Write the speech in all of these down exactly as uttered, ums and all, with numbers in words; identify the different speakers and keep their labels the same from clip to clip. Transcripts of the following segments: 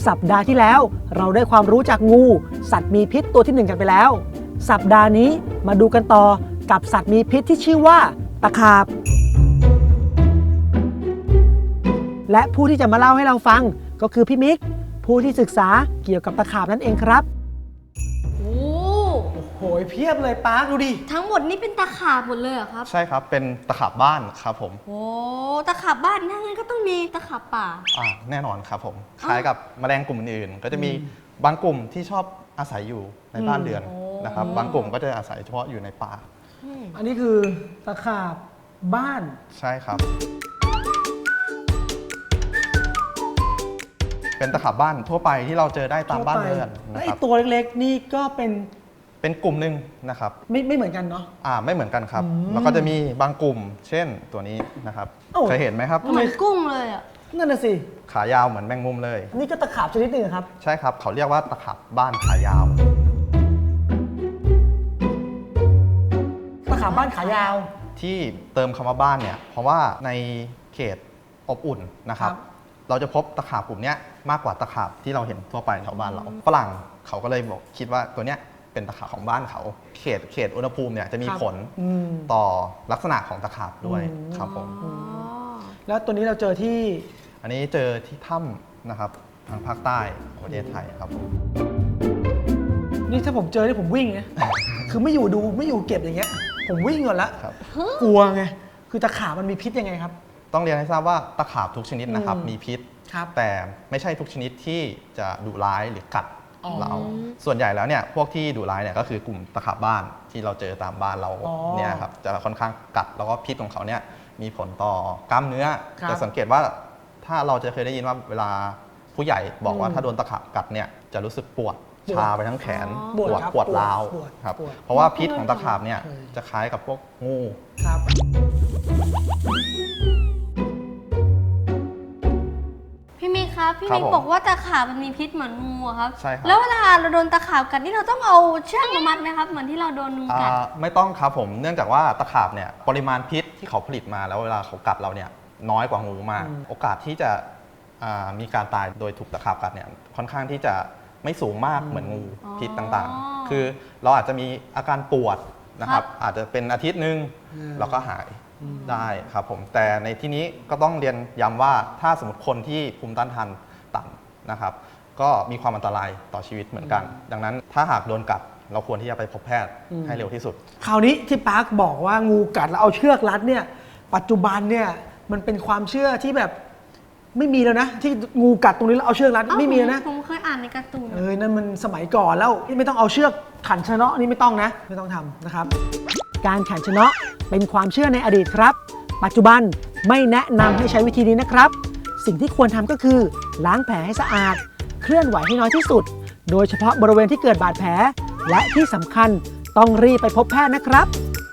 Speaker 1: สัปดาห์ที่แล้วเราได้ความรู้จากงูสัตว์มีพิษตัวที่หนึ่งกันไปแล้วสัปดาห์นี้มาดูกันต่อกับสัตว์มีพิษที่ชื่อว่าตะขาบและผู้ที่จะมาเล่าให้เราฟังก็คือพี่มิกผู้ที่ศึกษาเกี่ยวกับตะขาบนั่นเองครับ
Speaker 2: โอ้
Speaker 1: โหเพียบเลยปาร์คดูดิ
Speaker 2: ทั้งหมดนี่เป็นตะขาบหมดเลยเหรอครับ
Speaker 3: ใช่ครับเป็นตะขาบบ้านครับผม
Speaker 2: โอ้ตะขาบบ้านนั่นก็ต้องมีตะขาบป่า
Speaker 3: อ่าแน่นอนครับผมคล้ายกับแมลงกลุ่มอื่นๆก็จะมีบางกลุ่มที่ชอบอาศัยอยู่ในบ้านเรือนนะครับบางกลุ่มก็จะอาศัยเฉพาะอยู่ในป่า
Speaker 1: อันนี้คือตะขาบบ้าน
Speaker 3: ใช่ครับเป็นตะขาบบ้านทั่วไปที่เราเจอได้ตามบ้านเรือน
Speaker 1: นะครับไอ้ตัวเล็กๆนี่ก็เป็น
Speaker 3: เป็นกลุ่มหนึ่งนะครับ
Speaker 1: ไม่ไม่เหมือนกันเนาะ
Speaker 3: อ่าไม่เหมือนกันครับแล้วก็จะมีบางกลุ่มเช่นตัวนี้นะครับเคยเห็นไหมครับ
Speaker 2: เหมือนกุ้งเลยอ่ะ
Speaker 1: นั่นน่ะสิ
Speaker 3: ขายาวเหมือนแมงมุมเลย
Speaker 1: นี่ก็ตะขาบชนิดหนึ่งครับ
Speaker 3: ใช่ครับเขาเรียกว่าตะขาบบ้านขายาว
Speaker 1: ตะขาบบ้านขายาว
Speaker 3: ที่เติมคำว่าบ้านเนี่ยเพราะว่าในเขตอบอุ่นนะครับเราจะพบตะขาบกลุ่มนี้มากกว่าตะขาบที่เราเห็นทั่วไปแถวบ้านเราฝรั่งเขาก็เลยบอกคิดว่าตัวเนี้ยเป็นตะขาบของบ้านเขาเขตเขตอุณหภูมิเนี่ยจะมีผลต่อลักษณะของตะขาบด้วยครับผม
Speaker 1: แล้วตัวนี้เราเจอที่
Speaker 3: อันนี้เจอที่ถ้ำนะครับทางภาคใต้ของประเทศไทยครับผม
Speaker 1: นี่ถ้าผมเจอที่ผมวิ่งนะคือไม่อยู่ดูไม่อยู่เก็บอย่างเงี้ยผมวิ่งก่อนละกลัวไงคือตะขาบมันมีพิษยังไงครับ
Speaker 3: ต้องเรียนให้ทราบว่าตะขาบทุกชนิดนะครับมีพิษแต่ไม่ใช่ทุกชนิดที่จะดุร้ายหรือกัดเราส่วนใหญ่แล้วเนี่ยพวกที่ดุร้ายเนี่ยก็คือกลุ่มตะขาบบ้านที่เราเจอตามบ้านเราเนี่ยครับจะค่อนข้างกัดแล้วก็พิษของเขาเนี่ยมีผลต่อกล้ามเนื้อจะสังเกตว่าถ้าเราจะเคยได้ยินว่าเวลาผู้ใหญ่บอกว่าถ้าโดนตะขาบกัดเนี่ยจะรู้สึกปวดชาไปทั้งแขนปวดปวดร้าวครับเพราะว่าพิษของตะขาบเนี่ยจะคล้ายกับพวกงูครับ
Speaker 2: พี่มิกครับพี่มิกบอกว่าตะขาบมันมีพิษเหมือนงูครับ
Speaker 3: ใช่ครับ
Speaker 2: แล้วเวลาเราโดนตะขาบกัดนี่เราต้องเอาเชือกมามัดไหมครับเหมือนที่เราโดนงูกัด
Speaker 3: ไม่ต้องครับผมเนื่องจากว่าตะขาบเนี่ยปริมาณพิษที่เขาผลิตมาแล้วเวลาเขากัดเราเนี่ยน้อยกว่างูมากโอกาสที่จะมีการตายโดยถูกตะขาบกัดเนี่ยค่อนข้างที่จะไม่สูงมากเหมือนงูพิษต่างๆคือเราอาจจะมีอาการปวดนะครับอาจจะเป็นอาทิตย์นึงแล้วก็หายได้ครับผมแต่ในที่นี้ก็ต้องเรียนย้ำว่าถ้าสมมติคนที่ภูมิต้านทานต่ำนะครับก็มีความอันตรายต่อชีวิตเหมือนกันดังนั้นถ้าหากโดนกัดเราควรที่จะไปพบแพทย์ให้เร็วที่สุด
Speaker 1: คราวนี้ที่ปาร์คบอกว่างูกัดแล้วเอาเชือกรัดเนี่ยปัจจุบันเนี่ยมันเป็นความเชื่อที่แบบไม่มีแล้วนะที่งูกัดตรงนี้แล้วเอาเชือกรัดไม่มีแล้วนะ
Speaker 2: ผมเคยอ่านในการ์ตูน
Speaker 1: เออนั่นมันสมัยก่อนแล้วไม่ต้องเอาเชือกขันชะเนาะนี่ไม่ต้องนะไม่ต้องทำนะครับการขันชะเนาะเป็นความเชื่อในอดีตครับปัจจุบันไม่แนะนำให้ใช้วิธีนี้นะครับสิ่งที่ควรทำก็คือล้างแผลให้สะอาดเคลื่อนไหวให้น้อยที่สุดโดยเฉพาะบริเวณที่เกิดบาดแผลและที่สำคัญต้องรีบไปพบแพทย์นะครับ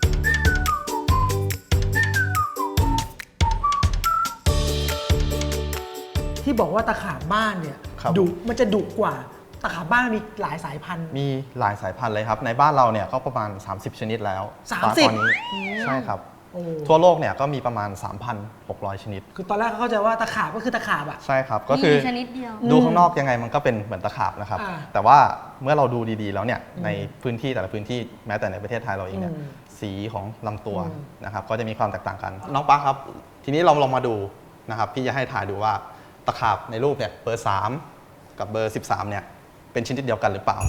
Speaker 1: ที่บอกว่าตะขาบบ้านเนี่ยดุมันจะดุกว่าตะขาบบ้านมีหลายสายพันธุ์
Speaker 3: มีหลายสายพันธุ์เลยครับในบ้านเราเนี่ยก็ประมาณสามสิบชนิดแล้ว
Speaker 1: สามสิบ
Speaker 3: ตอนนี้ใช่ครับทั่วโลกเนี่ยก็มีประมาณ สามพันหกร้อย ชนิด
Speaker 1: คือตอนแรกเขาเข้าใจว่าตะขาบก็คือตะขาบอ่ะ
Speaker 3: ใช่ครับก็คือ
Speaker 2: ชนิดเดียว
Speaker 3: ดูข้างนอกยังไงมันก็เป็นเหมือนตะขาบนะครับแต่ว่าเมื่อเราดูดีๆแล้วเนี่ยในพื้นที่แต่ละพื้นที่แม้แต่ในประเทศไทยเราเองเนี่ยสีของลำตัวนะครับก็จะมีความแตกต่างกันน้องป๊าครับทีนี้เราลองมาดูนะครับพี่จะให้ถ่ายดูว่าตะขาบในรูปเนี่ยเบอร์สามกับเบอร์สิบสามเนี่ยเป็นชนิดเดียวกันหรือเปล่า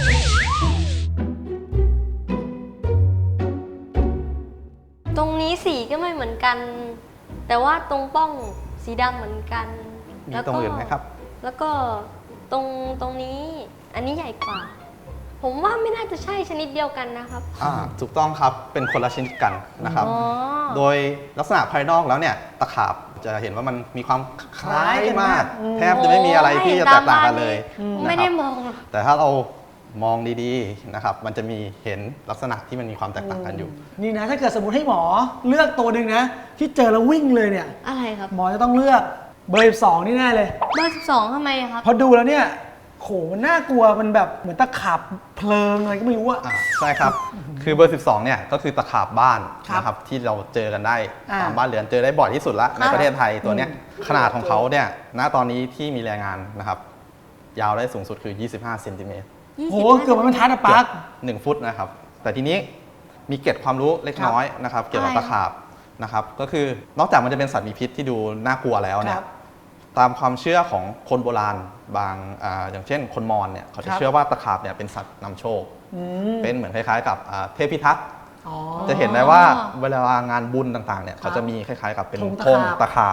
Speaker 2: ตรงนี้สีก็ไม่เหมือนกันแต่ว่าตรงป้องสีดำเหมือนกัน
Speaker 3: มีตรงอื่นไหมครับ
Speaker 2: แล้วก็ตรงตรงนี้อันนี้ใหญ่กว่าผมว่าไม่น่าจะใช่ชนิดเดียวกันนะครับ
Speaker 3: อ่าถูกต้องครับเป็นคนละชนิดกันนะครับโดยลักษณะภายนอกแล้วเนี่ยตะขาบจะเห็นว่ามันมีความคล้ายมากแทบจะไม่มีอะไรที่จะแตกต่างกันเลย
Speaker 2: ไม่ได้มอง
Speaker 3: แต่ถ้าเรามองดีๆนะครับมันจะมีเห็นลักษณะที่มันมีความแตกต่างกันอยู่
Speaker 1: นี่นะถ้าเกิดสมมติให้หมอเลือกตัวหนึ่งนะที่เจอแล้ววิ่งเลยเนี่ย
Speaker 2: อะไรครับ
Speaker 1: หมอจะต้องเลือกเบอร์สิบสองนี่แน่เลย
Speaker 2: เบอร์สิบสองทำไมครับ
Speaker 1: พอดูแล้วเนี่ยโหมันน่ากลัวมันแบบเหมือนตะขาบเพลิงอะไรก็ไม่รู้อะ
Speaker 3: ใช่ครับคือเบอร์สิบสองเนี่ยก็คือตะขาบบ้านนะครับที่เราเจอกันได้ตามบ้านเรือนเจอได้บ่อยที่สุดละในประเทศไทยตัวเนี้ยขนาดของเขาเนี่ยณตอนนี้ที่มีรายงานนะครับยาวได้สูงสุดคือ ยี่สิบห้าเซนติเมตร
Speaker 1: โหเกือบมันทัดอะปาร์ค
Speaker 3: หนึ่งฟุตนะครับ แต่ทีนี้มีเกร็ดความรู้เล็กน้อยนะครับเกี่ยวกับตะขาบนะครับก็คือนอกจากมันจะเป็นสัตว์มีพิษที่ดูน่ากลัวแล้วเนี่ยตามความเชื่อของคนโบราณบางอ่าอย่างเช่นคนมอญเนี่ยเขาจะเชื่อว่าตะขาบเนี่ยเป็นสัตว์นำโชคเป็นเหมือนคล้ายๆกับอ่าเทพพิทักษ์จะเห็นได้ว่าเวลางานบุญต่างๆเนี่ยเขาจะมีคล้ายๆกับเป็นธงตะขาบ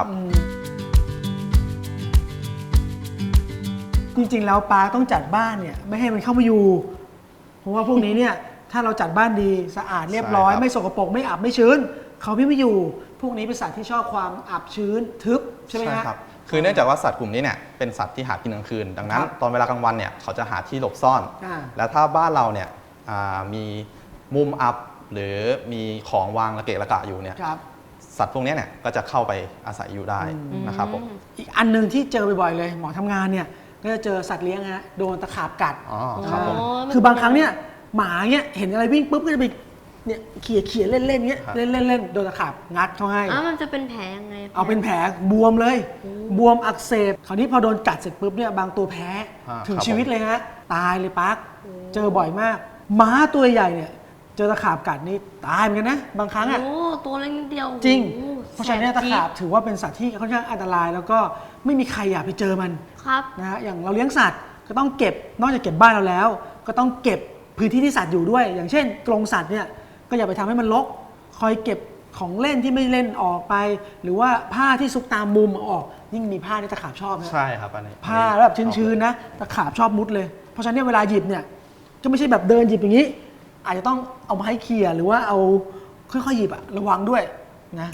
Speaker 1: จริงๆแล้วปาต้องจัดบ้านเนี่ยไม่ให้มันเข้ามาอยู่เพราะว่าพวกนี้เนี่ยถ้าเราจัดบ้านดีสะอาดเรียบร้อยไม่สกปรกไม่อับไม่ชื้นเขาไม่มาอยู่พวกนี้เป็นสัตว์ที่ชอบความอับชื้นทึบใช่ไหมฮะ
Speaker 3: ครับคือเนื่องจากว่าสัตว์กลุ่มนี้เนี่ยเป็นสัตว์ที่หากินกลางคืนดังนั้นตอนเวลากลางวันเนี่ยเขาจะหาที่หลบซ่อนแล้วถ้าบ้านเราเนี่ยมีมุมอับหรือมีของวางระเกะระกะอยู่เนี่ยสัตว์พวกนี้เนี่ยก็จะเข้าไปอาศัยอยู่ได้นะครับผม
Speaker 1: อีกอันนึงที่เจอบ่อยๆเลยหมอทำงานเนี่ยก็จะเจอสัตว์เลี้ยงฮะโดนตะขาบกัด
Speaker 3: ครับผม
Speaker 1: คือบางครั้งเนี่ยหมาเนี่ยเห็นอะไรวิ่งปุ๊บก็จะไปเนี่ยเขี่ยเขี่ยเล่นเล่นเงี้ยเล่นเล่นเล่นโดนตะขาบงัดเขาให้
Speaker 2: อ่ะมันจะเป็นแผลยังไง
Speaker 1: เอาเป็นแผลบวมเลยบวมอักเสบคราวนี้พอโดนกัดเสร็จปุ๊บเนี่ยบางตัวแพ้ถึงชีวิตเลยฮะตายเลยปั๊กเจอบ่อยมากม้าตัวใหญ่เนี่ยเจอตะขาบกัดนี่ตายเหมือนกันนะบางครั้งอ่ะ
Speaker 2: โอ้ตัวเล็กนิดเดียว
Speaker 1: จริงเพราะฉะนั้นตะขาบถือว่าเป็นสัตว์ที่ค่อนข้างอันตรายแล้วก็ไม่มีใครอยากไปเจอมัน
Speaker 2: ครับ
Speaker 1: นะฮะอย่างเราเลี้ยงสัตว์ก็ต้องเก็บนอกจากเก็บบ้านเราแล้วก็ต้องเก็บพื้นที่ที่สัตว์อยู่ด้วยอย่างเช่นกรงสัตว์เนี่ยก็อย่าไปทำให้มันรกคอยเก็บของเล่นที่ไม่เล่นออกไปหรือว่าผ้าที่ซุกตามมุมออกยิ่งมีผ้าที่ตะขาบชอบนะ
Speaker 3: ใช่ครับอันนี้
Speaker 1: ผ้าแบบชื้นๆนะตะขาบชอบมุดเลยเพราะฉะนั้นเวลาหยิบเนี่ยก็ไม่ใช่แบบเดินหยิบอย่างนี้อาจจะต้องเอาไม้เขี่ยหรือว่าเอาค่อยๆหยิบอะระวังด้วยนะ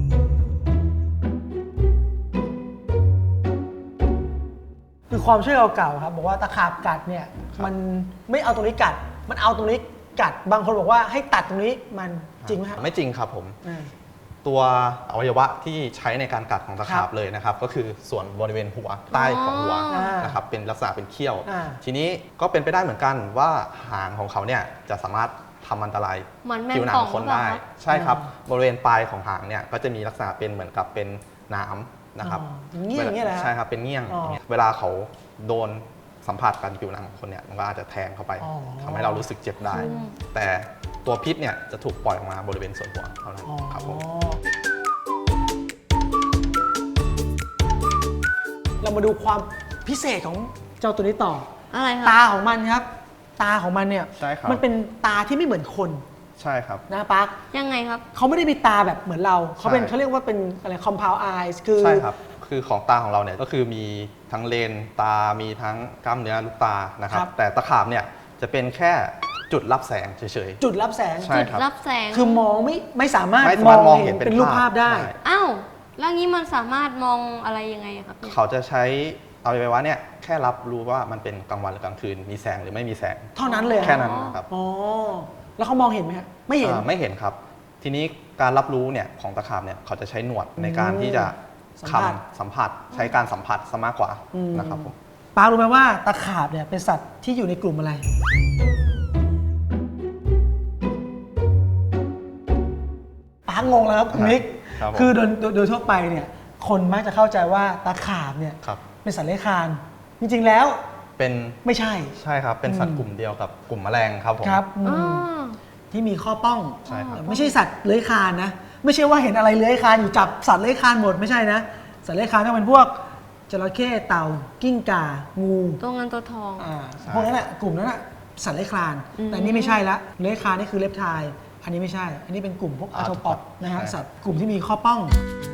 Speaker 1: คือความเชื่อเก่าๆครับบอกว่าตะขาบกัดเนี่ยมันไม่เอาตรงนี้กัดมันเอาตรงนี้กัดบางคนบอกว่าให้ตัดตรงนี้มันจริงไหมครับ
Speaker 3: ไม่จริงครับผมตัวอวัยวะที่ใช้ในการกัดของตะขาบเลยนะครับก็คือส่วนบริเวณหัวใต้ของหัวนะครับเป็นลักษณะเป็นเขี้ยวทีนี้ก็เป็นไปได้เหมือนกันว่าหางของเขาเนี่ยจะสามารถทำอันตรายผิวหนังคนได้ใช่ครับบริเวณปลายของหางเนี่ยก็จะมีลักษณะเป็นเหมือนกับเป็นน้ำนะครับ
Speaker 1: เงี้ยอย่างเงี้ยแหละ
Speaker 3: ใช่ครับเป็นเงี้ยงเวลาเขาโดนสัมผัสกันผิวหนังของคนเนี่ยมันก็อาจจะแทงเข้าไปทำให้เรารู้สึกเจ็บได้แต่ตัวพิษเนี่ยจะถูกปล่อยออกมาบริเวณส่วนหัวเท่านั้นครับผม
Speaker 1: เรามาดูความพิเศษของเจ้าตัวนี้ต่อ
Speaker 2: อะไรครับ
Speaker 1: ตาของมันครับตาของมันเนี่ยมันเป็นตาที่ไม่เหมือนคน
Speaker 3: ใช่ครับ
Speaker 1: นะปั๊ก
Speaker 2: ยังไงครับ
Speaker 1: เขาไม่ได้มีตาแบบเหมือนเราเขาเป็นเขาเรียกว่าเป็นอะไร compound eyes คือ
Speaker 3: ใช่ครับคือของตาของเราเนี่ยก็คือมีทั้งเลนตามีทั้งกล้ามเนื้อลูกตานะครับแต่ตะขาบเนี่ยจะเป็นแค่จุดรับแสงเฉย
Speaker 1: ๆจุดรับแสง
Speaker 2: จุดรับแสง
Speaker 1: คือมองไม่ไม่สามารถ
Speaker 3: มองเห็นเป็น
Speaker 1: รูปภาพได้
Speaker 2: อ้าวแล้วงี้มันสามารถมองอะไรยังไงครับ
Speaker 3: เขาจะใช้เอาไว้ว่าเนี่ยแค่รับรู้ว่ามันเป็นกลางวันหรือกลางคืนมีแสงหรือไม่มีแสง
Speaker 1: เท่านั้นเลย
Speaker 3: แค่นั้นครับ
Speaker 1: อ๋อแล้วเขามองเห็นไหมครับไม่เห็น
Speaker 3: ไม่เห็นครับทีนี้การรับรู้เนี่ยของตะขาบเนี่ยเขาจะใช้หนวดในการที่จะคำสัมผัสใช้การสัมผัสซะมากกว่านะครับผม
Speaker 1: ปารู้ไหมว่าตะขาบเนี่ยเป็นสัตว์ที่อยู่ในกลุ่มอะไรปางงแล้วครับคุณนิกคือโดยโดยทั่วไปเนี่ยคนมักจะเข้าใจว่าตะขาบเนี่ยเป็นสัตว์เลื้อยคลานจริงๆแล้ว
Speaker 3: เป็น
Speaker 1: ไม่ใช่
Speaker 3: ใช่ครับเป็นสัตว์กลุ่มเดียวกับกลุ่มแมลงครับผม
Speaker 1: ครับที่มีข้อป้องไม่ใช่สัตว์เลื้อยคลานนะไม่ใช่ว่าเห็นอะไรเลื้อยคลานอยู่จับสัตว์เลื้อยคลานหมดไม่ใช่นะสัตว์เลื้อยคลานต้องเป็นพวกจระเข้เต่ากิ้งก่างู
Speaker 2: ตัวเงินตัวทอง
Speaker 1: พวกนั้นแหละกลุ่มนั้นแหละสัตว์เลื้อยคลานแต่นี่ไม่ใช่ละเลื้อยคลานนี่คือเล็บไทอันนี้ไม่ใช่อันนี้เป็นกลุ่มพวกอาร์โทปอดนะฮะสัตว์กลุ่มที่มีข้อป้อง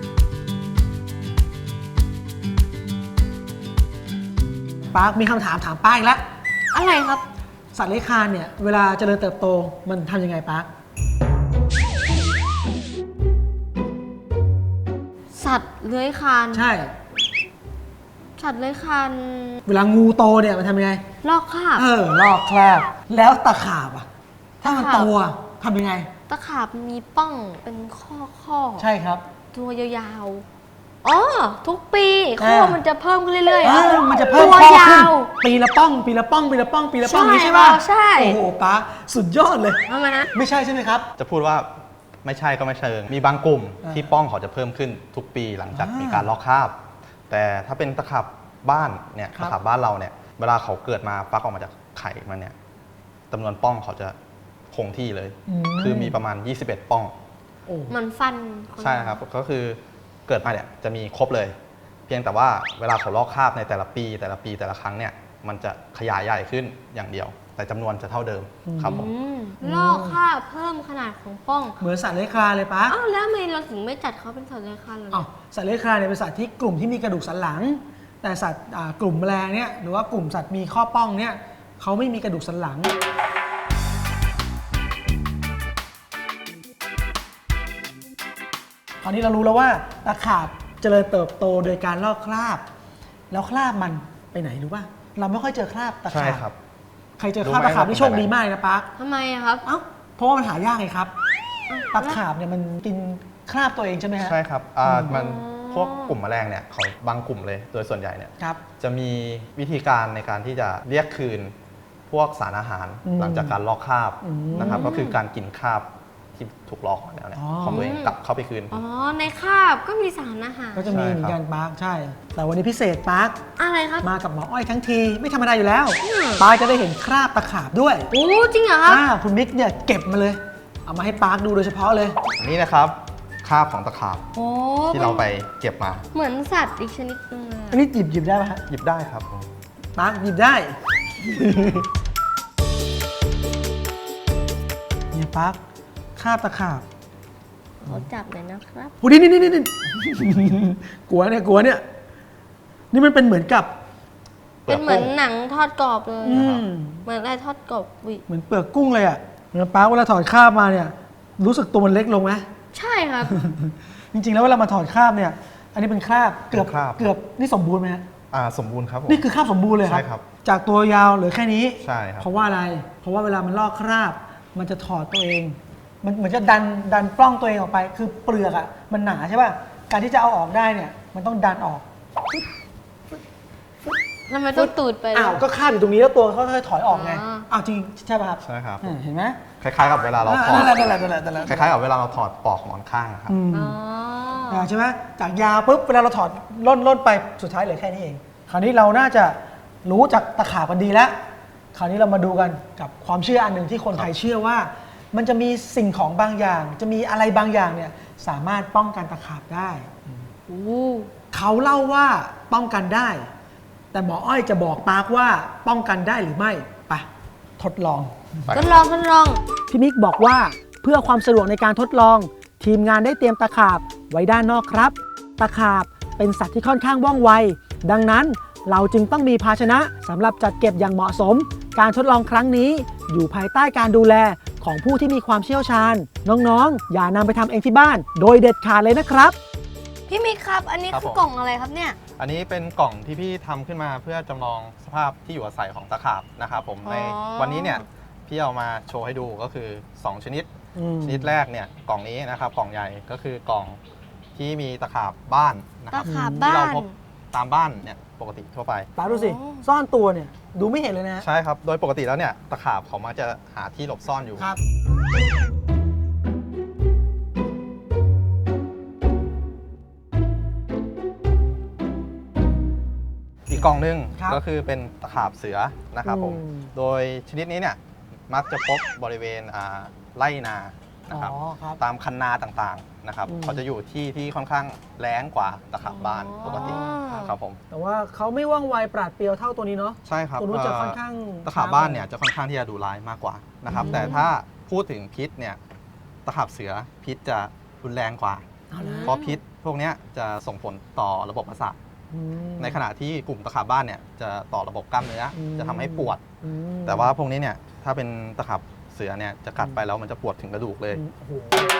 Speaker 1: ปาร์คมีคำถามถามป้าอีกแล้ว
Speaker 2: อะไรครับ
Speaker 1: สัตว์เลื้อยคลานเนี่ยเวลาเจริญเติบโตมันทำยังไงปาร์ค
Speaker 2: สัตว์เลื้อยคลาน
Speaker 1: ใช่
Speaker 2: สัตว์เลื้อยคลาน
Speaker 1: เวลางูโตเนี่ยมันทำยังไง
Speaker 2: ลอกคราบ
Speaker 1: เออลอกคราบแล้วตะขาบอ่ะถ้ามันโตทำยังไง
Speaker 2: ตะขาบมีป้องเป็นข้อข้อ
Speaker 1: ใช่ครับ
Speaker 2: ตัวยาวๆอ๋อทุกปีข้อมันจะเพิ่มขึ้นเรื่อย
Speaker 1: ๆมันจะเพิ่มข้อขึ้นปีละป้องปีละป้องปีละป้องปีละป้องนี่ใช่ป่ะ
Speaker 2: ใช่
Speaker 1: โอ้โหป้าสุดยอดเลย
Speaker 2: ทำไมนะ
Speaker 1: ไม่ใช่ใช่ไหมครับ
Speaker 3: จะพูดว่าไม่ใช่ก็ไม่เชิงมีบางกลุ่มที่ป้องเขาจะเพิ่มขึ้นทุกปีหลังจากมีการลอกคราบแต่ถ้าเป็นตะขาบบ้านเนี่ยตะขาบบ้านเราเนี่ยเวลาเขาเกิดมาฟักออกมาจากไข่มันเนี่ยจำนวนป้องเขาจะคงที่เลย คือมีประมาณยี่สิบเอ็ดป้อง
Speaker 1: โอ้
Speaker 2: มันฟันน
Speaker 3: ใช่ครับก็คือเกิดมาเนี่ยจะมีครบเลย เพียงแต่ว่าเวลาเขาลอกคราบในแต่ละปี แต่ละปีแต่ละครั้งเนี่ยมันจะขยายใหญ่ขึ้นอย่างเดียว แต่จำนวนจะเท่าเดิมครับผม
Speaker 2: อืมลอกคราบเพิ่มขนาดของป้อง
Speaker 1: เหมือนสัตว์เลื้อยคลานเลยปะ
Speaker 2: อ้าวแล้วทำไมเราถึงไม่จัดเขาเป็นสัตว์เลื้อยคลานเลย
Speaker 1: อ้าวสัตว์เลื้อยคลานเนี่ยเป็นสัตว์ที่กลุ่มที่มีกระดูกสันหลัง แต่สัตว์อ่ากลุ่มแมลงเนี่ยหรือว่ากลุ่มสัตว์มีข้อป้องเนี่ยเขาไม่มีกระดูกสันหลัง คราวนี้เรารู้แล้วว่าตะขาบเจริญเติบโตโดยการลอกคราบ แล้วคราบมันไปไหนรู้ป่ะเราไม่ค่อยเจอคราบตะ
Speaker 3: ใช่
Speaker 1: ขาบ
Speaker 3: ครับ
Speaker 1: ใครเจอคราบตะขาบนี่โชคดีมากเลยนะปั๊ก
Speaker 2: ทำไมอะครับ
Speaker 1: เอ้าเพราะว่ามันหายากไงครับตะขาบเนี่ยมันกินคราบตัวเองใช่ไหมฮะ
Speaker 3: ใช่ครับอ่า
Speaker 1: อืม
Speaker 3: มันพวกกลุ่มแมลงเนี่ยเขาบางกลุ่มเลยโดยส่วนใหญ่เนี่ย
Speaker 1: ครับ
Speaker 3: จะมีวิธีการในการที่จะเรียกคืนพวกสารอาหาร
Speaker 1: อืม
Speaker 3: หลังจากการลอกคราบ
Speaker 1: อืม
Speaker 3: นะครับก็คือการกินคราบที่ถูกลอกมาแล้วเนี่ย
Speaker 1: อ๋อ
Speaker 3: ของตัวเองกลับเข้าไปคืน
Speaker 2: อ๋อ ในคราบก็มีสารอาหาร
Speaker 1: ก็จะมี
Speaker 3: ใช่
Speaker 1: เหมือน
Speaker 3: ครั
Speaker 1: กับ นปาร์คใช่ แต่วันนี้พิเศษปาร์ค
Speaker 2: อะไรครับ
Speaker 1: มากับหมออ้อยทั้งทีไม่ธรรมดาอยู่แล้วปาร์คจะได้เห็นคราบตะขาบด้วย
Speaker 2: โอ้จริงเหรอครับ
Speaker 1: อ่าคุณมิกเนี่ยเก็บมาเลย เอามาให้ปาร์คดูโดยเฉพาะเลย
Speaker 3: อันนี้นะครับคราบของตะขาบ
Speaker 2: โอ้
Speaker 3: ที่เราไปเก็บมา
Speaker 2: เหมือนสัตว์อีกชนิดนึงเลย
Speaker 1: อันนี้หยิบหยิบได้ไหมฮะ
Speaker 3: หยิบได้ครับ
Speaker 1: ปาร์คหยิบได้ เนี่ยปาร์คคราบตะขาบ
Speaker 2: เขาจับเลยนะครับ
Speaker 1: โอ้นี่นี่นี่นี่ กลัวเนี่ยกลัวเนี่ยนี่มันเป็นเหมือนกับ
Speaker 3: เปลื
Speaker 2: เป็
Speaker 3: อก
Speaker 2: นเหมือน
Speaker 3: กุ้ง
Speaker 2: หนังทอดกรอบเลย
Speaker 1: อืม
Speaker 2: เหมือนอะไรทอดกรอบวิ
Speaker 1: เหมือนเปลือกกุ้งเลยอ่ะเนี่ยปาร์คเวลาถอดคราบมาเนี่ย รู้สึกตัวมันเล็กลงไหม
Speaker 2: ใช่ครับ
Speaker 1: จริงๆ แล้วเวลามาถอดคราบเนี่ย อันนี้เป็นคราบเกือบ
Speaker 3: เป็นคราบ
Speaker 1: เกือบนี่สมบูรณ์ไหมฮะ
Speaker 3: อ่าสมบูรณ์ครับผม
Speaker 1: นี่คือคราบสมบูรณ์เลยครับ
Speaker 3: ใช่ครับ
Speaker 1: จากตัวยาวเหลือแค่นี้
Speaker 3: ใช่ครับ
Speaker 1: เพราะว่าอะไร เพราะว่าเวลามันลอกคราบ มันจะถอดตัวเอง มันเหมือนจะดันดันปล้องตัวเองออกไป คือเปลือกอ่ะมันหนาใช่ป่ะ การที่จะเอาออกได้เนี่ย มันต้องดันออก
Speaker 2: ทำไมต้องตูดไป
Speaker 1: อ้าว ก็คราบอยู่ตรงนี้แล้วตัวเขาค่อยๆถอยออกไง
Speaker 2: อ๋อ
Speaker 1: อ้าวจริงใช่ป่ะครับ
Speaker 3: ใช่ครับ
Speaker 1: อ่าเห็นไหม
Speaker 3: คล้ายๆกับเวลาเราถอด
Speaker 1: นั่นแหละนั่นแหละนั่นแหละนั่นแหละ
Speaker 3: คล้ายๆกับเวลาเราถอดปลอกหมอนข้างอะครับ
Speaker 1: อืม
Speaker 2: อ๋อ
Speaker 1: อ่าใช่ไหมจากยาวปุ๊บเวลาเราถอดล่นล่นไปสุดท้ายเหลือแค่นี้เอง คราวนี้เราน่าจะรู้จากตะขาบกันดีแล้ว คราวนี้เรามาดูกันกับความเชื่ออันหนึ่งที่คนไทยเชื่อว่า มันจะมีสิ่งของบางอย่าง จะมีอะไรบางอย่างเนี่ยสามารถป้องกันตะขาบได้
Speaker 2: โอ้
Speaker 1: เขาเล่าว่าป้องกันได้ แต่หมออ้อยจะบอกปาร์คว่าป้องกันได้หรือไม่ไปทดลอง
Speaker 2: ทดลองทดลอง
Speaker 1: พี่มิกบอกว่าเพื่อความสะดวกในการทดลอง ทีมงานได้เตรียมตะขาบไว้ด้านนอกครับ ตะขาบเป็นสัตว์ที่ค่อนข้างว่องไว ดังนั้นเราจึงต้องมีภาชนะสำหรับจัดเก็บอย่างเหมาะสม การทดลองครั้งนี้อยู่ภายใต้การดูแลของผู้ที่มีความเชี่ยวชาญ น้องๆ อย่านำไปทำเองที่บ้าน โดยเด็ดขาดเลยนะครับ
Speaker 2: พี่มิกครับ อันนี้
Speaker 3: ครับ
Speaker 2: คือ
Speaker 3: ผม
Speaker 2: กล่องอะไรครับเนี่ย
Speaker 3: อันนี้เป็นกล่องที่พี่ทำขึ้นมาเพื่อจำลองสภาพที่อยู่อาศัยของตะขาบนะครับผม
Speaker 2: อ๋อ
Speaker 3: ในวันนี้เนี่ยพี่เอามาโชว์ให้ดูก็คือสองชนิด
Speaker 1: อืม
Speaker 3: ชนิดแรกเนี่ยกล่องนี้นะครับกล่องใหญ่ก็คือกล่องที่มีตะขาบบ้านนะค
Speaker 2: ตะ
Speaker 3: รับ
Speaker 2: ขาบ
Speaker 3: ที่
Speaker 2: บ้า
Speaker 3: เรา
Speaker 2: น
Speaker 3: พบตามบ้านเนี่ยปกติทั่วไป
Speaker 1: ปาดูสิ
Speaker 2: อ๋อ
Speaker 1: ซ่อนตัวเนี่ยดูไม่เห็นเลยนะ
Speaker 3: ใช่ครับ โดยปกติแล้วเนี่ยตะขาบเขามักจะหาที่หลบซ่อนอยู่
Speaker 1: ครับ
Speaker 3: อีกกล่องหนึง
Speaker 1: ครับ
Speaker 3: ก็คือเป็นตะขาบเสือนะครับผม
Speaker 1: อืม
Speaker 3: โดยชนิดนี้เนี่ยมักจะพบบริเวณอ่าไร่นานะครับ
Speaker 1: อ๋อครับ
Speaker 3: ตามคันนาต่างๆนะครับ
Speaker 1: อืม
Speaker 3: เขาจะอยู่ที่ที่ค่อนข้างแล้งกว่าตะขาบบ้าน
Speaker 2: อ๋อ
Speaker 3: ปกติครับผม
Speaker 1: แต่ว่าเขาไม่ว่องไวปราดเปรียวเท่าตัวนี้เนาะ
Speaker 3: ใช่ครับ
Speaker 1: ตัวนู้นจะ
Speaker 3: เ
Speaker 1: ค่อนข้าง
Speaker 3: ตะขาบบ้านเนี่ยจะค่อนข้างที่จะดุร้ายมากกว่านะครับ
Speaker 1: อืม
Speaker 3: แต่ถ้าพูดถึงพิษเนี่ยตะขาบเสือพิษจะรุนแรงกว่า
Speaker 1: เอาละ
Speaker 3: เพราะพิษพวกเนี้ยจะส่งผลต่อระบบประสาท
Speaker 1: อืม
Speaker 3: ในขณะที่กลุ่มตะขาบบ้านเนี่ยจะต่อระบบกล้ามเนื้ออ
Speaker 1: ม
Speaker 3: จะทำให้ปวด
Speaker 1: อืม
Speaker 3: แต่ว่าพวกนี้เนี่ยถ้าเป็นตะขาบเสือเนี่ยจะกัดไปแล้วมันจะปวดถึงกระดูกเลย
Speaker 1: โอ้โห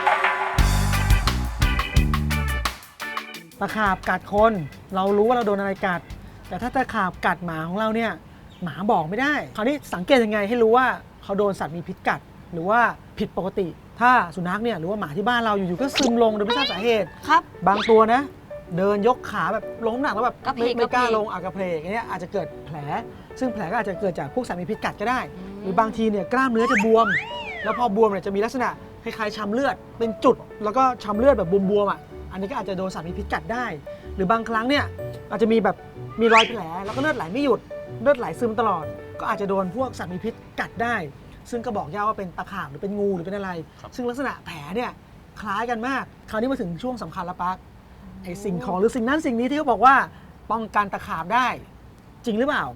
Speaker 1: ตะขาบกัดคนเรารู้ว่าเราโดนอะไรกัด แต่ถ้าตะขาบกัดหมาของเราเนี่ยหมาบอกไม่ได้ คราวนี้สังเกตยังไงให้รู้ว่าเขาโดนสัตว์มีพิษกัด หรือว่าผิดปกติ ถ้าสุนัขเนี่ยหรือว่าหมาที่บ้านเราอยู่ๆก็ซึมลงโดยไม่ทราบสาเหตุ
Speaker 2: ครับ
Speaker 1: บางตัวนะ เดินยกขาแบบลงน้ำหนักแล้วแบบ
Speaker 2: กระเพ
Speaker 1: ไม่
Speaker 2: ก
Speaker 1: ไม่กล้าก
Speaker 2: ระเพก
Speaker 1: ลงอากระเพลกอย่างเงี้ยอาจจะเกิดแผล ซึ่งแผลก็อาจจะเกิดจากพวกสัตว์มีพิษกัดก็ได้
Speaker 2: อืม
Speaker 1: หรือบางทีเนี่ยกล้ามเนื้อจะบวม แล้วพอบวมเนี่ยจะมีลักษณะคล้ายๆช้ำเลือด เป็นจุดแล้วก็ช้ำเลือดแบบบวมๆอ่ะอันนี้ก็อาจจะโดนสัตว์มีพิษกัดได้ หรือบางครั้งเนี่ยอาจจะมีแบบมีรอยแผลแล้วก็เลือดไหลไม่หยุดเลือดไหลซึมตลอด ก็อาจจะโดนพวกสัตว์มีพิษกัดได้ ซึ่งก็บอกยากว่าเป็นตะขาบหรือเป็นงูหรือเป็นอะไร ซึ่งลักษณะแผลเนี่ยคล้ายกันมาก คราวนี้มาถึงช่วงสำคัญแล้วปั๊กไอสิ่งของหรือสิ่งนั้นสิ่งนี้ที่เขาบอกว่าป้องกันตะขาบได้ จริงหรือเปล่า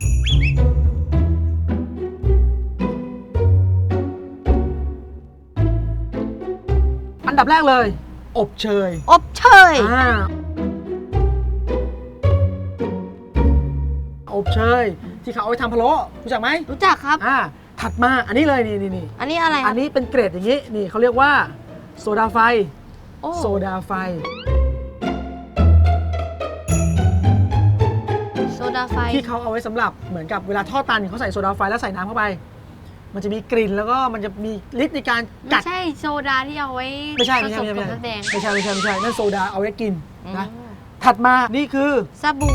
Speaker 1: อันดับแรกเลย อบเชย
Speaker 2: อบเชย
Speaker 1: อ่าอบเชยที่เขาเอาไปทำพะโล้รู้จักไหม
Speaker 2: รู้จักครับ
Speaker 1: อ่าถัดมาอันนี้เลยนี่นี่นี่
Speaker 2: อันนี้อะไรค
Speaker 1: อั
Speaker 2: รับ
Speaker 1: นนี้เป็นเกรดอย่างนี้นี่เขาเรียกว่าโซดาไฟ
Speaker 2: โอ้
Speaker 1: โซดาไฟ
Speaker 2: โซดาไฟ
Speaker 1: ที่เขาเอาไว้สำหรับเหมือนกับเวลาทอดตันเขาใส่โซดาไฟแล้วใส่น้ำเข้าไป มันจะมีกลิ่นแล้วก็มันจะมีฤทธิ์ในการ
Speaker 2: ไม่
Speaker 1: กัด
Speaker 2: ใช่โซดาที่เอาไว้
Speaker 1: ไม่ใช่
Speaker 2: ผ
Speaker 1: ไม่
Speaker 2: ส
Speaker 1: ใช่
Speaker 2: ม
Speaker 1: ไม่
Speaker 2: กับ
Speaker 1: ใช่
Speaker 2: น้ำแดง
Speaker 1: ไม่ใช่ไม่ใช่ไม่ใช่นั่นโซดาเอาไว้กินนะ
Speaker 2: อืม
Speaker 1: ถัดมานี่คือ
Speaker 2: สบู่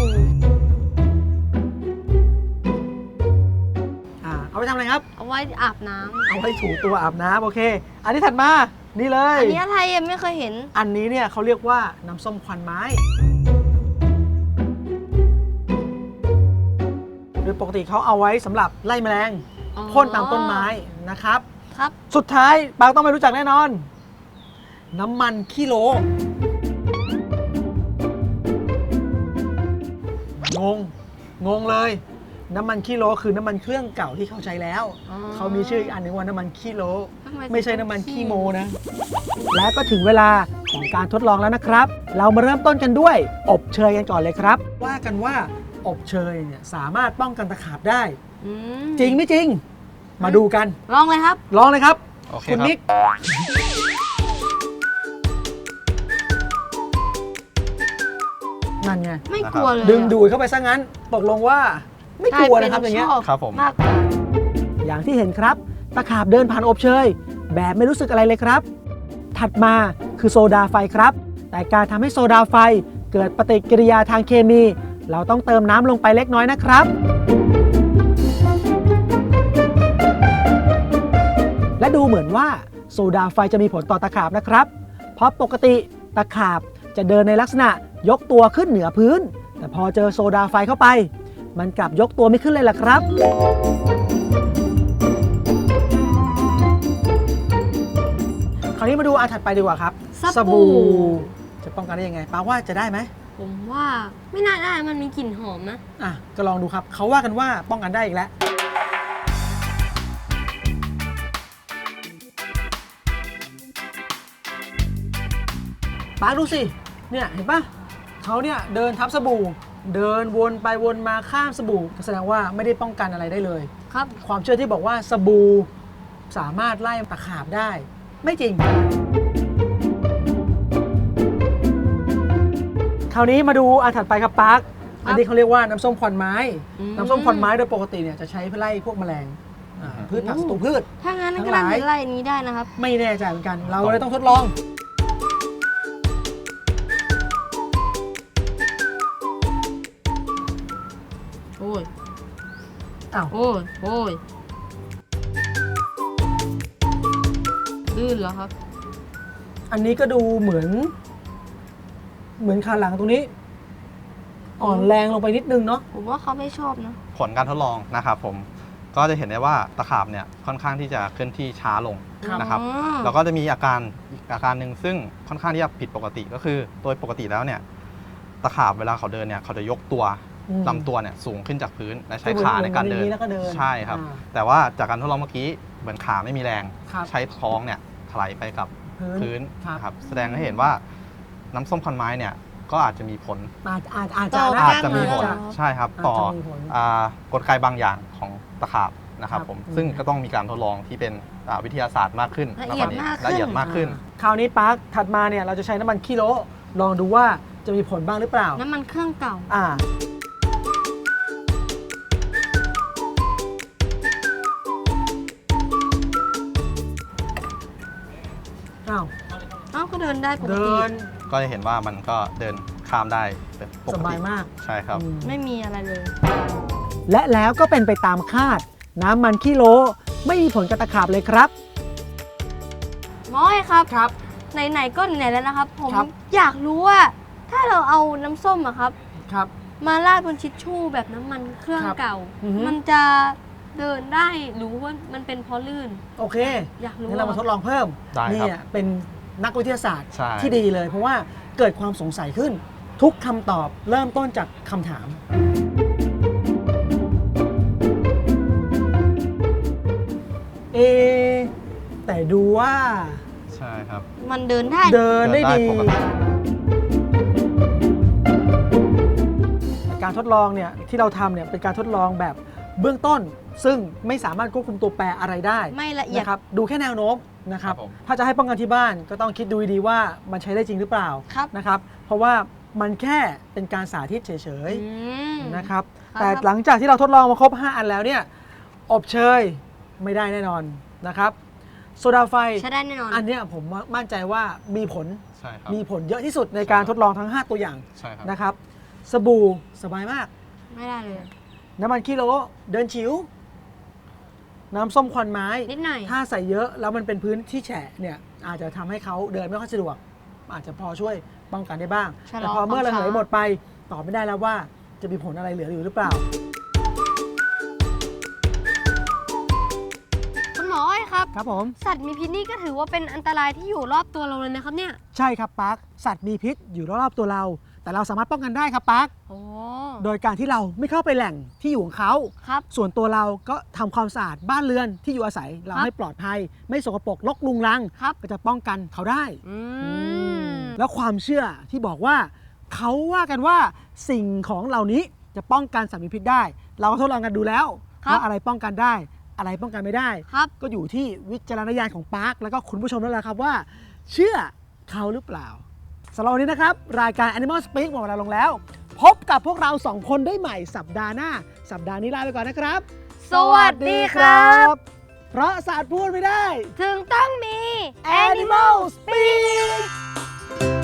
Speaker 1: อ่าเอาไปทำอะไรครับ
Speaker 2: เอาไว้อาบน้ำ
Speaker 1: เอาไว้ถูตัวอาบน้ำโอเค อันนี้ถัดมานี่เลย
Speaker 2: อันนี้อะไรอ่ะไม่เคยเห็น
Speaker 1: อันนี้เนี่ยเขาเรียกว่าน้ำส้มควันไม้โดยปกติเขาเอาไว้สำหรับไล่แมลง
Speaker 2: อ๋อ
Speaker 1: พ่นตามต้นไม้นะครับ
Speaker 2: ครับ
Speaker 1: สุดท้ายปางต้องไม่รู้จักแน่นอน น้ำมันขี้โลงง งงเลย น้ำมันขี้โลคือน้ำมันเครื่องเก่าที่เขาใช้แล้ว
Speaker 2: อ๋อ
Speaker 1: เขามีชื่ออีกอันหนึงว่าน้ำมันขี้โล
Speaker 2: ทำไม
Speaker 1: ไม่ใช่น้ำมันขี้โมนะ และก็ถึงเวลาของการทดลองแล้วนะครับ เรามาเริ่มต้นกันด้วย อบเชยกันก่อนเลยครับ ว่ากันว่าอบเชยเนี่ยสามารถป้องกันตะขาบได้
Speaker 2: อืม
Speaker 1: จริงไม่จริง มาดูกัน
Speaker 2: ลองเลยครับ
Speaker 1: ลองเลยครับ
Speaker 3: โอเค
Speaker 1: คุณ
Speaker 3: ครับ
Speaker 1: นิก นั่นไง
Speaker 2: ไม่กลัวเลย
Speaker 1: ดึงดูดเข้าไปซะงั้น ตกลงว่าไม่กลัวนะครับอย่างเงี้ย
Speaker 2: ชอบ
Speaker 3: ครับผม
Speaker 2: มากกว่า
Speaker 1: อย่างที่เห็นครับ ตะขาบเดินผ่านอบเชย แบบไม่รู้สึกอะไรเลยครับ ถัดมาคือโซดาไฟครับ แต่การทำให้โซดาไฟเกิดปฏิกิริยาทางเคมี เราต้องเติมน้ำลงไปเล็กน้อยนะครับ และดูเหมือนว่าโซดาไฟจะมีผลต่อตะขาบนะครับ เพราะปกติตะขาบจะเดินในลักษณะยกตัวขึ้นเหนือพื้น แต่พอเจอโซดาไฟเข้าไป มันกลับยกตัวไม่ขึ้นเลยล่ะครับ คราวนี้มาดูอันถัดไปดีกว่าครับ
Speaker 2: สบู่
Speaker 1: จะป้องกันได้ยังไงป้าว่าจะได้ไหม
Speaker 2: ผมว่าไม่น่าได้มันมีกลิ่นหอมนะ
Speaker 1: อ่ะก็ลองดูครับเขาว่ากันว่าป้องกันได้อีกแล้วป้าดูสิเนี่ยเห็นปะเขาเนี่ยเดินทับสบู่ เดินวนไปวนมาข้ามสบู่แสดงว่าไม่ได้ป้องกันอะไรได้เลย
Speaker 2: ครับ
Speaker 1: ความเชื่อที่บอกว่าสบู่สามารถไล่ตะขาบได้ ไม่จริง คราวนี้มาดูอันถัดไปครับปาร์คอันนี้เขาเรียกว่าน้ำส้มควันไม้
Speaker 2: อืม
Speaker 1: น้ำส้มควันไม้โดยปกติเนี่ยจะใช้เพื่อไล่พวกแมลงอ่าพืชผักศัตรูพืช
Speaker 2: ถ้างั้น
Speaker 1: ทั้ง
Speaker 2: ก็
Speaker 1: หลา
Speaker 2: น่าย จะไล่อันนี้ได้นะครับ
Speaker 1: ไม่แน่ใจเหมือนกัน เราเลยต้องทดลอง
Speaker 2: โอ้ย
Speaker 1: อ้าว
Speaker 2: โอ้ย โอ้ย ลื่นเหรอครับ
Speaker 1: อันนี้ก็ดูเหมือน เหมือนขาหลังตรงนี้ อ่อนแรงลงไปนิดนึงเนาะ
Speaker 2: ผมว่าเขาไม่ชอบนะ
Speaker 3: ผลการทดลองนะครับผมก็จะเห็นได้ว่าตะขาบเนี่ยค่อนข้างที่จะเคลื่อนที่ช้าลง
Speaker 1: ครับ
Speaker 3: นะครับ
Speaker 2: อ๋อ
Speaker 3: แล้วก็จะมีอาการอีกอาการหนึ่งซึ่งค่อนข้างที่จะผิดปกติก็คือโดยปกติแล้วเนี่ยตะขาบเวลาเขาเดินเนี่ยเขาจะยกตัว
Speaker 1: อืม
Speaker 3: ลำตัวเนี่ยสูงขึ้นจากพื้นและใช้
Speaker 1: คือเหมือน
Speaker 3: ขาในการเดิ
Speaker 1: เหมือนอย่างนี้แล้วก็เดิน
Speaker 3: ใช่ครับ
Speaker 1: อ่า
Speaker 3: แต่ว่าจากการทดลองเมื่อกี้เหมือนขาไม่มีแรง
Speaker 1: ครับ
Speaker 3: ใช้ท้องเนี่ยถลายไปกับ
Speaker 1: พื้น
Speaker 3: พื้น
Speaker 1: ครับ
Speaker 3: ครับแสดงให้เห็นว่าน้ำส้มควันไม้เนี่ยก็อาจจะมีผล
Speaker 1: อาจอาจอาจจะ
Speaker 2: ต่อ
Speaker 1: นะ
Speaker 3: อาจจะมีผล
Speaker 1: อาจจะ
Speaker 3: ใช่ครับ
Speaker 1: อาจจะ
Speaker 3: ต่อ
Speaker 1: มีผล
Speaker 3: อ่ากลไกบางอย่างของตะขาบนะครับ
Speaker 1: ครับ
Speaker 3: ผม
Speaker 1: อืม
Speaker 3: ซึ่งก็ต้องมีการทดลองที่เป็นอ่าวิทยาศาสตร์มากขึ้น
Speaker 2: ละเอียด
Speaker 3: แล้ว
Speaker 2: มากขึ้น
Speaker 3: ละเอียดมากขึ้น
Speaker 1: คราวนี้ปาร์คถัดมาเนี่ยเราจะใช้น้ำมันขี้โลลองดูว่าจะมีผลบ้างหรือเปล่า
Speaker 2: น้ำมันเครื่องเก่า
Speaker 1: อ่า อ้าว
Speaker 2: เอ้าก็เดินได้ปก
Speaker 1: เดิ
Speaker 2: ติ
Speaker 1: น
Speaker 3: ก็จะเห็นว่ามันก็เดินข้ามได้เป็นปก
Speaker 1: ส
Speaker 3: ติ
Speaker 1: บายมาก
Speaker 3: ใช่ครับ
Speaker 1: อืม
Speaker 2: ไม่มีอะไรเลย
Speaker 1: และแล้วก็เป็นไปตามคาด น้ำมันขี้โลไม่มีผลกับตะขาบเลยครับ
Speaker 2: หมอครับ
Speaker 1: ครับ
Speaker 2: ไหนๆก็ไหนแล้วนะครับ ผม
Speaker 1: ครับ
Speaker 2: อยากรู้ว่า ถ้าเราเอาน้ำส้มอะครับ
Speaker 1: ครับ
Speaker 2: มาราดบนทิชชู่แบบน้ำมันเครื่อง
Speaker 1: ครับ
Speaker 2: เก่า
Speaker 1: อือฮึ
Speaker 2: มันจะเดินได้หรือว่ามันเป็นเพราะลื่น
Speaker 1: โอเค
Speaker 2: อยากรู้
Speaker 1: งั้นเรามาทดลองเพิ่ม
Speaker 3: ได้ครับ
Speaker 1: นี่อ่ะเป็นนักวิทยาศาสตร์
Speaker 3: ใช่
Speaker 1: ที่ดีเลย เพราะว่าเกิดความสงสัยขึ้น ทุกคำตอบเริ่มต้นจากคำถาม เอะแต่ดูว่า
Speaker 3: ใช่ครับ
Speaker 2: มันเดินได้
Speaker 1: เดินได้
Speaker 3: เดินได้
Speaker 1: ดี
Speaker 3: ปกติ
Speaker 1: การทดลองเนี่ยที่เราทำเนี่ยเป็นการทดลองแบบเบื้องต้น ซึ่งไม่สามารถควบคุมตัวแปรอะไรได้
Speaker 2: ไม่ละเอียด
Speaker 1: นะครับดูแค่แนวโน้มนะครับ
Speaker 3: ครับผม
Speaker 1: ถ้าจะให้ป้องกันที่บ้านก็ต้องคิดดูดีๆว่ามันใช้ได้จริงหรือเปล่า
Speaker 2: ครับ
Speaker 1: นะครับ เพราะว่ามันแค่เป็นการสาธิตเฉย
Speaker 2: อืม
Speaker 1: ๆนะครับ
Speaker 2: ครับ
Speaker 1: แต่หลังจากที่เราทดลองมาครบ ห้า อันแล้วเนี่ยอบเชยไม่ได้แน่นอนนะครับโซดาไฟ
Speaker 2: ใช้ได้แน่นอน
Speaker 1: อันเนี้ยผมมั่นใจว่ามีผล
Speaker 3: ใช่ครับ
Speaker 1: มีผลเยอะที่สุดในการทดลองทั้ง ห้า ตัวอย่าง
Speaker 3: ใช่ครับ
Speaker 1: นะครับสบู่สบายมาก
Speaker 2: ไม่ได้เลย
Speaker 1: น้ำมันกิโลเดินฉิว น้ำส้มควันไม้
Speaker 2: นิดหน่อย
Speaker 1: ถ้าใส่เยอะแล้วมันเป็นพื้นที่แฉะเนี่ยอาจจะทำให้เขาเดินไม่ค่อยสะดวก อาจจะพอช่วยป้องกันได้บ้าง
Speaker 2: ชะลอ
Speaker 1: แต่พอเมื่อ
Speaker 2: ความ
Speaker 1: ระเหย
Speaker 2: ช้า
Speaker 1: หมดไปตอบไม่ได้แล้วว่าจะมีผลอะไรเหลืออยู่หรือเปล่า
Speaker 2: คุณหมออ้อยครับ
Speaker 1: ครับผม
Speaker 2: สัตว์มีพิษนี่ก็ถือว่าเป็นอันตรายที่อยู่รอบตัวเราเลยนะครับเนี่ย
Speaker 1: ใช่ครับปาร์คสัตว์มีพิษอยู่รอบๆตัวเรา แต่เราสามารถป้องกันได้ครับปาร์ค
Speaker 2: โอ้
Speaker 1: โดยการที่เราไม่เข้าไปแหล่งที่อยู่ของเขา
Speaker 2: ครับ
Speaker 1: ส่วนตัวเราก็ทำความสะอาดบ้านเรือนที่อยู่อาศัย เรา
Speaker 2: ครับ
Speaker 1: ให้ปลอดภัย ไม่สกปรกรกรุงรัง
Speaker 2: ครับ
Speaker 1: ก็จะป้องกันเขาได้
Speaker 2: อืม
Speaker 1: แล้วความเชื่อที่บอกว่าเขาว่ากันว่าสิ่งของเหล่านี้จะป้องกันสัตว์มีพิษได้ เราก็ทดลองกันดูแล้ว
Speaker 2: ครับ
Speaker 1: ว่าอะไรป้องกันได้ อะไรป้องกันไม่ได้
Speaker 2: ครับ
Speaker 1: ก็อยู่ที่วิจารณญาณของปาร์คแล้วก็คุณผู้ชมนั่นแหละครับว่า เชื่อเขาหรือเปล่าสำหรับวันนี้นะครับ รายการ Animal Speak หมดเวลาลงแล้ว พบกับพวกเราสองคนได้ใหม่สัปดาห์หน้า สัปดาห์นี้ลาไปก่อนนะครับ
Speaker 2: สวัสดีครับ
Speaker 1: เพราะศาสตร์พูดไม่ได้
Speaker 2: ถึงต้องมี
Speaker 1: Animal Speak